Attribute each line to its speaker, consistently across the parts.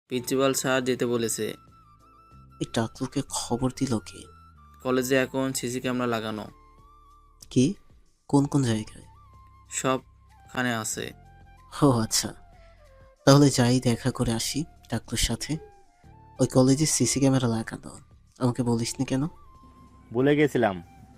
Speaker 1: Principal sir যেতে বলেছে।
Speaker 2: এই টাকলুকে খবর দিল কে?
Speaker 1: কলেজে এখন সিসি ক্যামেরা লাগানো।
Speaker 2: কি? কোন কোন জায়গায়?
Speaker 1: সবখানে আছে।
Speaker 2: ও আচ্ছা, তাহলে যাই দেখা করে আসি টাকলুর সাথে। ওই কলেজে সিসি ক্যামেরা লাগানো, আমাকে বলিসনি কেন?
Speaker 3: ভুলে গেছিলাম।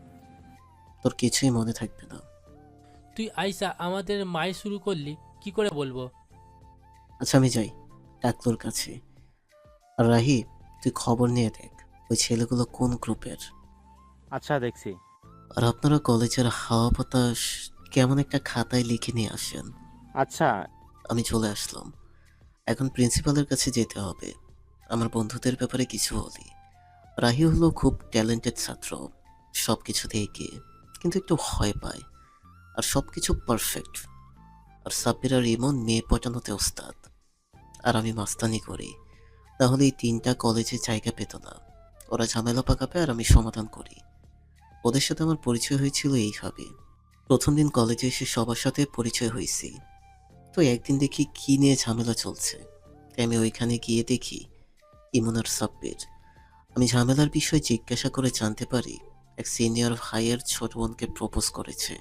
Speaker 2: তোর কিছুই মনে থাকবে না।
Speaker 4: তুই আইসা আমাদের মাই শুরু করলি, কি করে বলবো?
Speaker 2: আচ্ছা আমি যাই টাকলুর কাছে। আর রাহি, তুই খবর নিয়ে দেখ ওই ছেলেগুলো কোন গ্রুপের।
Speaker 3: আচ্ছা, দেখছি।
Speaker 2: আর আপনারা কলেজের হাওয়া বাতাস কেমন একটা খাতায় লিখে নিয়ে আসেন।
Speaker 3: আচ্ছা।
Speaker 2: আমি চলে আসলাম। এখন প্রিন্সিপালের কাছে যেতে হবে। আমার বন্ধুদের ব্যাপারে কিছু বলি। রাহি হলো খুব ট্যালেন্টেড ছাত্র, সব কিছুতে এগিয়ে, কিন্তু একটু ভয় পায়। আর সব কিছু পারফেক্ট। আর সাব্বির আর ইমন মেয়ে পটানোতে ওস্তাদ। আর আমি মাস্তানি করি, তাহলে এই তিনটা কলেজে জায়গা পেত না। ওরা ঝামেলা পাকাবে আর আমি সমাধান করি। ওদের সাথে আমার পরিচয় হয়েছিল এইভাবে। প্রথম দিন কলেজে এসে সবার সাথে পরিচয় হয়েছি। তো একদিন দেখি কি নিয়ে ঝামেলা চলছে, তাই আমি ওইখানে গিয়ে দেখি ইমন আর সাব্বির। আমি ঝামেলার বিষয়ে জিজ্ঞাসা করে জানতে পারি এক সিনিয়র ভাইয়ের ছোট বোনকে প্রপোজ করেছে।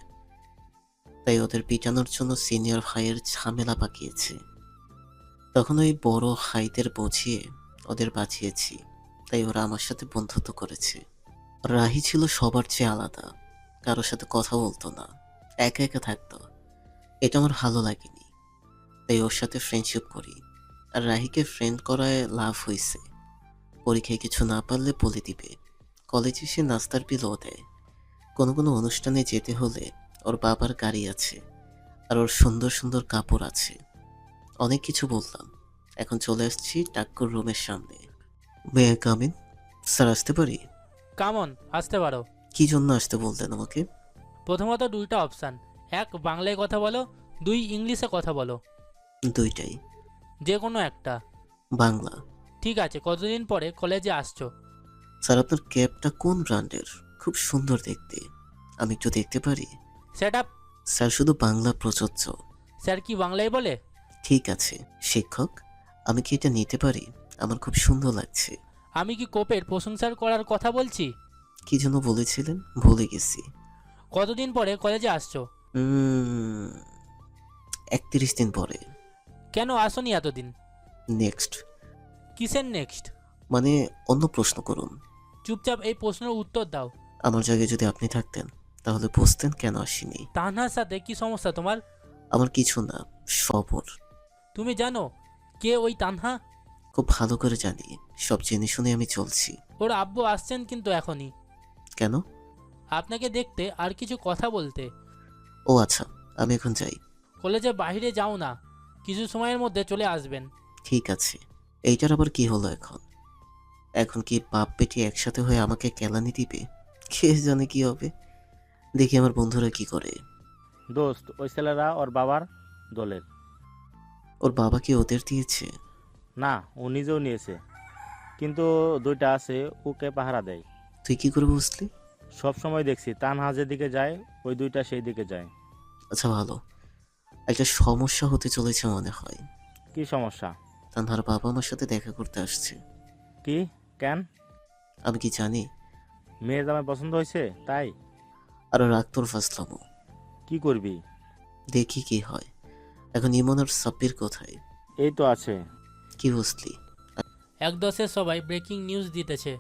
Speaker 2: তাই ওদের পিটানোর জন্য সিনিয়র ভাইয়ের ঝামেলা পাকিয়েছে। তখন ওই বড় ভাইদের বুঝিয়ে ওদের বাঁচিয়েছি, তাই ওরা আমার সাথে বন্ধুত্ব করেছে। রাহি ছিল সবার চেয়ে আলাদা, কারোর সাথে কথা বলতো না, একা একা থাকতো। এটা আমার ভালো লাগেনি, তাই ওর সাথে ফ্রেন্ডশিপ করি। আর রাহিকে ফ্রেন্ড করায় লাভ হয়েছে। পরীক্ষায় কিছু না পারলে বলে দিবে। কলেজে সে নাস্তার বিলও দেয়। কোনো কোনো অনুষ্ঠানে যেতে হলে ওর বাবার গাড়ি আছে, আর ওর সুন্দর সুন্দর কাপড় আছে। অনেক কিছু বললাম, এখন চলে আসছি টাক্কুর রুমের সামনে। May I come in? Sir আসতে পারি?
Speaker 4: কামন, আসতে পারো।
Speaker 2: কি জন্য আসতে বললেন আমাকে?
Speaker 4: প্রথমত দুইটা অপশান, এক বাংলায় কথা বলো, দুই ইংলিশে কথা বলো।
Speaker 2: দুইটাই।
Speaker 4: যে কোনো একটা।
Speaker 2: বাংলা।
Speaker 4: ঠিক আছে, কতদিন পরে কলেজে আসছো?
Speaker 2: স্যার আপনার ক্যাবটা কোন ব্র্যান্ডের? খুব সুন্দর দেখতে, আমি একটু দেখতে পারি?
Speaker 4: Set up.
Speaker 2: স্যার শুধু বাংলা প্রযোজ্য।
Speaker 4: স্যার কি বাংলায় বলে?
Speaker 2: ঠিক আছে শিক্ষক, আমি কি এটা নিতে পারি? আমার খুব সুন্দর লাগছে।
Speaker 4: আমি কি কোপের প্রশংসার করার কথা বলছি?
Speaker 2: কি যেন বলেছিলেন, ভুলে গেছি।
Speaker 4: কতদিন পরে কলেজে আসছো?
Speaker 2: 31 দিন পরে।
Speaker 4: কেন আসোনি এতদিন?
Speaker 2: নেক্সট।
Speaker 4: কিসের নেক্সট?
Speaker 2: মানে অন্য প্রশ্ন করুন।
Speaker 4: চুপচাপ এই প্রশ্নের উত্তর দাও।
Speaker 2: আমার জায়গায় যদি আপনি থাকতেন তাহলে বুঝতেন কেন আসিনি।
Speaker 4: তানহার সাথে কি সমস্যা তোমার?
Speaker 2: আমার কিছু না, সবর।
Speaker 4: তুমি জানো কে ওই তানহা?
Speaker 2: খুব ভালো করে জানি, সব জেনে শুনে আমি চলছি।
Speaker 4: ওর আব্বু আসছেন কিন্তু এখনই,
Speaker 2: কেন?
Speaker 4: আপনাকে দেখতে আর কিছু কথা বলতে।
Speaker 2: ও আচ্ছা, আমি এখন যাই।
Speaker 4: কলেজে বাইরে যাও না, কিছু সময়ের মধ্যে চলে আসবেন।
Speaker 2: ঠিক আছে। এইটার আবার কি হলো এখন? এখন কি বাপ বেটি একসাথে হয়ে আমাকে কেলানি দিবে? কে জানে কি হবে। দেখি আমার বন্ধুরা কি করে।
Speaker 3: দোস্ত, ওই ছেলেরা ওর বাবার দলের।
Speaker 2: ওর বাবা কি ওদের দিয়েছে?
Speaker 3: না, ও নিজেও নিয়েছে, কিন্তু দুইটা আছে, ওকে পাহারা দেয়।
Speaker 2: তুই কি করে বুঝলি?
Speaker 3: সব সময় দেখছি তানহা যেদিকে যায় ওই দুইটা সেই দিকে যায়।
Speaker 2: আচ্ছা ভালো, একটা সমস্যা হতে চলেছে মনে হয়।
Speaker 3: কি সমস্যা?
Speaker 2: তানহার বাবা আমার সাথে দেখা করতে আসছে।
Speaker 3: কি? কেন?
Speaker 2: আমি কি জানি?
Speaker 3: মেয়ের জামাই পছন্দ হয়েছে তাই?
Speaker 2: আর রাগ তোর ফাসলামো।
Speaker 3: কি করবি?
Speaker 2: দেখি কি হয়। এখন ইমন আর সাব্বির কোথায়?
Speaker 3: এই তো আছে।
Speaker 2: কি বুঝলি?
Speaker 4: এক দশের সবাই ব্রেকিং নিউজ দিতেছে।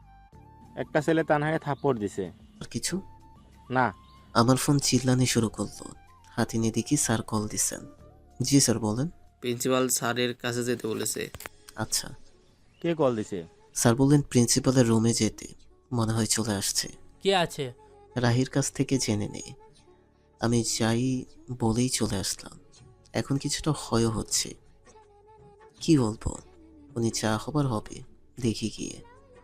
Speaker 3: একটা ছেলে তানহাকে থাপ্পড় দিছে।
Speaker 2: আর কিছু?
Speaker 3: না।
Speaker 2: আমার ফোন চিল্লানি শুরু করলো। হাতে নিয়ে দেখি স্যার কল দিছেন। জি স্যার বলেন।
Speaker 1: প্রিন্সিপাল স্যারের কাছে যেতে বলেছে।
Speaker 2: আচ্ছা।
Speaker 3: কে কল দিছে?
Speaker 2: স্যার বললেন প্রিন্সিপালের রুমে যেতে, মনে হয় চলে আসছে।
Speaker 4: কে আছে?
Speaker 2: রাহির কাছ থেকে জেনে নেই। আমি যাই বলেই চলে আসলাম। এখন কিছুটা ভয়ও হচ্ছে। কি বলবো, উনি যা হবার হবে, দেখি গিয়ে।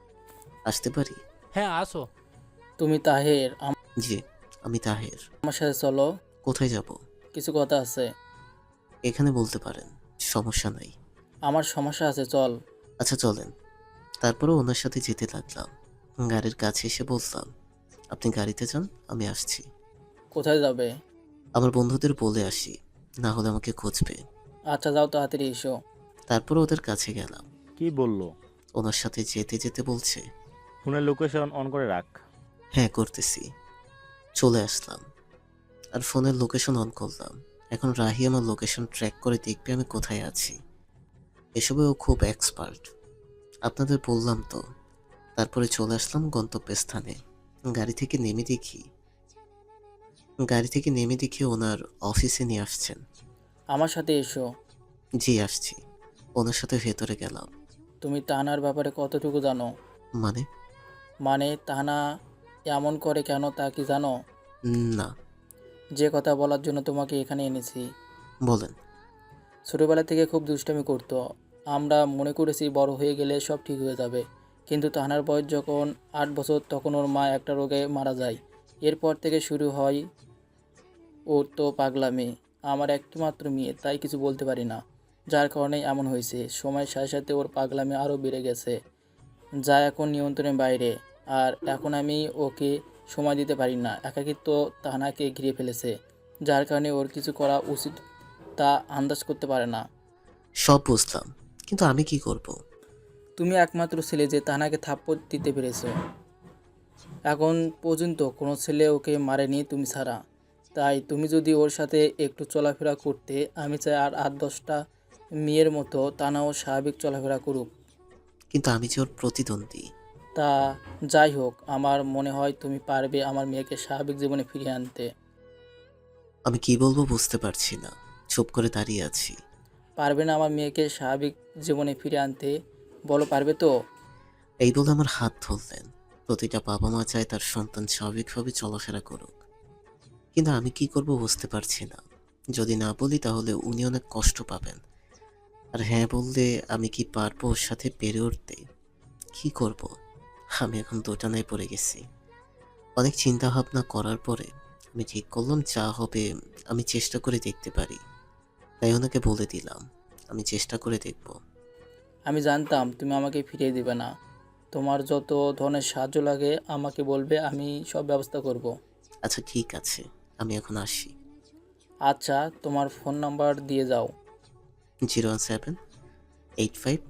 Speaker 2: আসতে পারি?
Speaker 4: হ্যাঁ আসো।
Speaker 1: তুমি তাহের,
Speaker 2: জি, আমি তাহের।
Speaker 1: আমার সাথে চলো,
Speaker 2: কোথায় যাব?
Speaker 1: কিছু কথা আছে।
Speaker 2: এখানে বলতে পারেন, সমস্যা নাই।
Speaker 1: আমার সমস্যা আছে, চল।
Speaker 2: আচ্ছা চলেন। তারপরে ওনার সাথে যেতে লাগলাম। গাড়ির কাছে এসে বললাম, আপনি গাড়িতে যান, আমি আসছি।
Speaker 1: কোথায় যাবে?
Speaker 2: আমার বন্ধুদের বলে আসি, না হলে আমাকে খুঁজবে।
Speaker 1: আচ্ছা যাও, তাড়াতাড়ি এসো।
Speaker 2: তারপর ওদের কাছে গেলাম।
Speaker 3: কি বললো?
Speaker 2: ওনার সাথে যেতে যেতে বলছে,
Speaker 3: ফোনের লোকেশন অন করে রাখ।
Speaker 2: হ্যাঁ করতেছি। চলে আসলাম আর ফোনের লোকেশন অন করলাম। এখন রাহি আমার লোকেশন ট্র্যাক করে দেখবে আমি কোথায় আছি। এসবে ও খুব এক্সপার্ট, আপনাদের বললাম তো। তারপরে চলে আসলাম গন্তব্যস্থানে। গাড়ি থেকে নেমে দেখি ওনার অফিসে নিয়ে আসছেন।
Speaker 1: আমার সাথে এসো।
Speaker 2: জি আসছি। ওনার সাথে ভেতরে গেলাম।
Speaker 1: তুমি তাহানার ব্যাপারে কতটুকু জানো?
Speaker 2: মানে?
Speaker 1: মানে তাহানা এমন করে কেন তা কি জানো?
Speaker 2: না।
Speaker 1: যে কথা বলার জন্য তোমাকে এখানে এনেছি।
Speaker 2: বলেন।
Speaker 1: ছোটোবেলা থেকে খুব দুষ্টামি করতো। আমরা মনে করেছি বড় হয়ে গেলে সব ঠিক হয়ে যাবে। কিন্তু তাহানার বয়স যখন 8 বছর তখন ওর মা একটা রোগে মারা যায়। এরপর থেকে শুরু হয় ওর তো পাগলামি। আমার একটিমাত্র মেয়ে, তাই কিছু বলতে পারি না, যার কারণেই এমন হয়েছে। সময়ের সাথে সাথে ওর পাগলামি আরও বেড়ে গেছে, যা এখন নিয়ন্ত্রণের বাইরে। আর এখন আমি ওকে সময় দিতে পারি না। একাকিত্ব তাহানাকে ঘিরে ফেলেছে, যার কারণে ওর কিছু করা উচিত তা আন্দাজ করতে পারে না।
Speaker 2: সব বুঝলাম, কিন্তু আমি কি করব?
Speaker 1: তুমি একমাত্র ছেলে যে তাহানাকে থাপ্পড় দিতে পেরেছ। এখন পর্যন্ত কোনো ছেলে ওকে মারেনি তুমি ছাড়া। তাই তুমি যদি ওর সাথে একটু চলাফেরা করতে, আমি চাই আর 8-10টা মেয়ের মতো তানাও স্বাভাবিক চলাফেরা করুক।
Speaker 2: কিন্তু আমি যে ওর প্রতিদ্বন্দ্বী।
Speaker 1: তা যাই হোক, আমার মনে হয় তুমি পারবে আমার মেয়েকে স্বাভাবিক জীবনে ফিরিয়ে আনতে।
Speaker 2: আমি কি বলবো বুঝতে পারছি না, চুপ করে দাঁড়িয়ে আছি।
Speaker 1: পারবে না আমার মেয়েকে স্বাভাবিক জীবনে ফিরিয়ে আনতে? বলো পারবে তো?
Speaker 2: এই বলে আমার হাত ধরলেন। প্রতিটা বাবা মা চায় তার সন্তান স্বাভাবিকভাবে চলাফেরা করুক, কিন্তু আমি কি করব বুঝতে পারছি না। যদি না বলি তাহলে উনি অনেক কষ্ট পাবেন, আর হ্যাঁ বললে আমি কি পারবো ওর সাথে পেরে উঠতে? কি করব? আমি এখন দোটানায় পড়ে গেছি। অনেক চিন্তা ভাবনা করার পরে আমি ঠিক করলাম যা হবে আমি চেষ্টা করে দেখতে পারি। তাই ওনাকে বলে দিলাম আমি চেষ্টা করে দেখব।
Speaker 1: আমি জানতাম তুমি আমাকে ফিরিয়ে দিবে না। তোমার যত ধরনের সাহায্য লাগে আমাকে বলবে, আমি সব ব্যবস্থা করব।
Speaker 2: আচ্ছা ঠিক আছে, আমি এখন আসি।
Speaker 1: আচ্ছা, তোমার ফোন নাম্বার দিয়ে যাও।
Speaker 2: 01785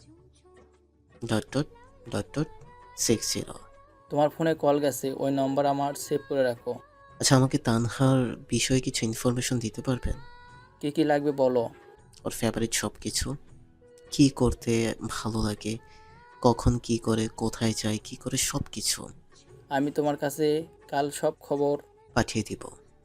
Speaker 2: ডট ডট ডট ডট 60।
Speaker 1: তোমার ফোনে কল গেছে, ওই নম্বর আমার সেভ করে রাখো।
Speaker 2: আচ্ছা আমাকে তানহার বিষয়ে কিছু ইনফরমেশন দিতে পারবেন?
Speaker 1: কী কী লাগবে বলো।
Speaker 2: ওর ফেভারিট সব কিছু, কী করতে ভালো লাগে, কখন কি করে, কোথায় যায়, কি করে, সব কিছু
Speaker 1: আমি তোমার কাছে কাল সব খবর।
Speaker 2: পাঠিয়ে দিব।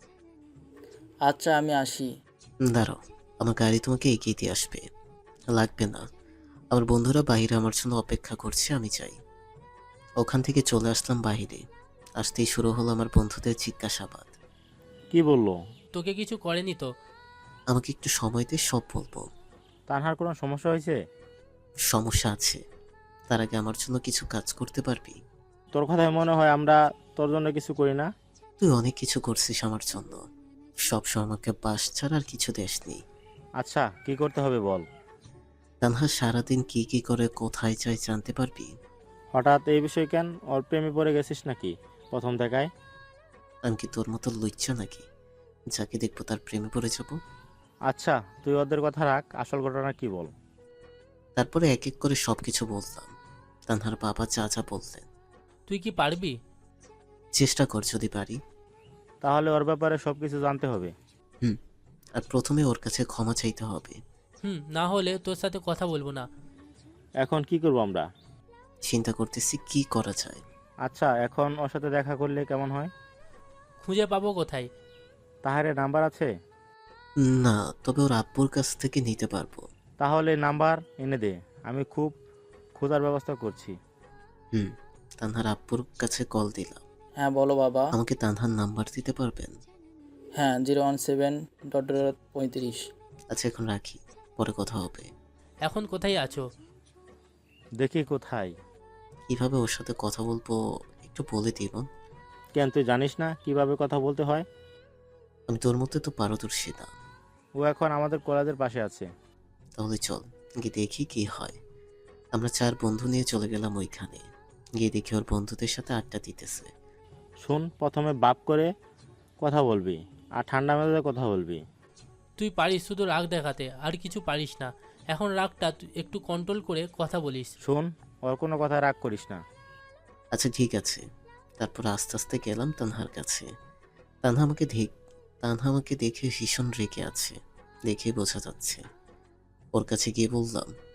Speaker 1: আচ্ছা, আমি আসি।
Speaker 2: দাঁড়াও, আমার গাড়ি তোমাকে এগিয়ে দিয়ে আসবে। লাগবে না, আমার বন্ধুরা বাইরে আমার জন্য অপেক্ষা করছে, আমি চাই। ওখান থেকে চলে আসলাম বাইরে। আসতেই শুরু হলো আমার বন্ধুদের জিজ্ঞাসাবাদ।
Speaker 3: কি বললো?
Speaker 4: তোকে কিছু করেনি তো?
Speaker 2: আমাকে একটু সময় দিয়ে সব বলবো।
Speaker 3: তানহার কোনো সমস্যা হয়েছে?
Speaker 2: সমস্যা আছে, তার আগে আমার জন্য কিছু কাজ করতে পারবি?
Speaker 3: তোর কথায় মনে হয় আমরা তোর জন্য কিছু করি না।
Speaker 2: তুই অনেক কিছু করছিস আমার জন্য, সবসময় আমাকে বাস ছাড়া আর কিছু দেসনি।
Speaker 3: আচ্ছা, কি করতে হবে বল।
Speaker 2: তানহা সারাদিন কি কি করে, কোথায় যায় জানতে পারবি?
Speaker 3: হঠাৎ এই বিষয় কেন? ওর প্রেমে পড়ে গেছিস নাকি প্রথম দেখায়?
Speaker 2: আমি কি তোর মতো লুচ্চা নাকি, যাকে দেখবো তার প্রেমে পড়ে যাব?
Speaker 3: আচ্ছা, তুই ওদের কথা রাখ, আসল ঘটনা কি বল।
Speaker 2: তারপরে এক এক করে সবকিছু বললাম। তানহার বাবা যা যা বললেন।
Speaker 4: তুই কি পারবি?
Speaker 2: চেষ্টা কর যদি পারি।
Speaker 3: তাহলে ওর ব্যাপারে সব কিছু জানতে হবে।
Speaker 2: আর প্রথমে ওর কাছে ক্ষমা চাইতে হবে।
Speaker 4: না হলে তোর সাথে কথা বলবো না।
Speaker 3: এখন কি করবো আমরা?
Speaker 2: চিন্তা করতেছি কি করা যায়।
Speaker 3: আচ্ছা, এখন ওর সাথে দেখা করলে কেমন হয়?
Speaker 4: খুঁজে পাবো কোথায়?
Speaker 3: তাহারে নাম্বার আছে?
Speaker 2: না, তবে ওর আব্বুর কাছ থেকে নিতে পারবো।
Speaker 3: তাহলে নাম্বার এনে দে, আমি খুব খোঁজার ব্যবস্থা করছি।
Speaker 2: তানহার আব্বুর কাছে কল দিলাম।
Speaker 1: হ্যাঁ বলো বাবা।
Speaker 2: আমাকে তানহার নাম্বার দিতে পারবেন?
Speaker 1: হ্যাঁ, 017.35।
Speaker 2: আচ্ছা এখন রাখি, পরে কথা হবে।
Speaker 4: এখন কোথায় আছো?
Speaker 3: দেখি কোথায়।
Speaker 2: কিভাবে ওর সাথে কথা বলবো একটু বলে দিব।
Speaker 3: কেন, তুই জানিস না কিভাবে কথা বলতে হয়?
Speaker 2: আমি তোর মধ্যে তো পারদর্শী না।
Speaker 3: ও এখন আমাদের কলেজের পাশে আছে।
Speaker 2: তাহলে চল গিয়ে দেখি কি হয়। আমরা 4 বন্ধু নিয়ে চলে গেলাম ওইখানে। গিয়ে দেখি ওর বন্ধুদের সাথে আড্ডা দিতেছে।
Speaker 3: শোন, প্রথমে বাপ করে কথা বলবি আর ঠান্ডা মেজাজে কথা বলবি।
Speaker 4: তুই পারিস শুধু রাগ দেখাতে, আর কিছু পারিস না। এখন রাগটা তুই একটু কন্ট্রোল করে কথা বলিস।
Speaker 3: শোন, ওর কোনো কথা রাগ করিস না।
Speaker 2: আচ্ছা ঠিক আছে। তারপর আস্তে আস্তে গেলাম তানহার কাছে। তানহা আমাকে দেখে ভীষণ রেগে আছে, দেখে বোঝা যাচ্ছে। ওর কাছে গিয়ে বললাম,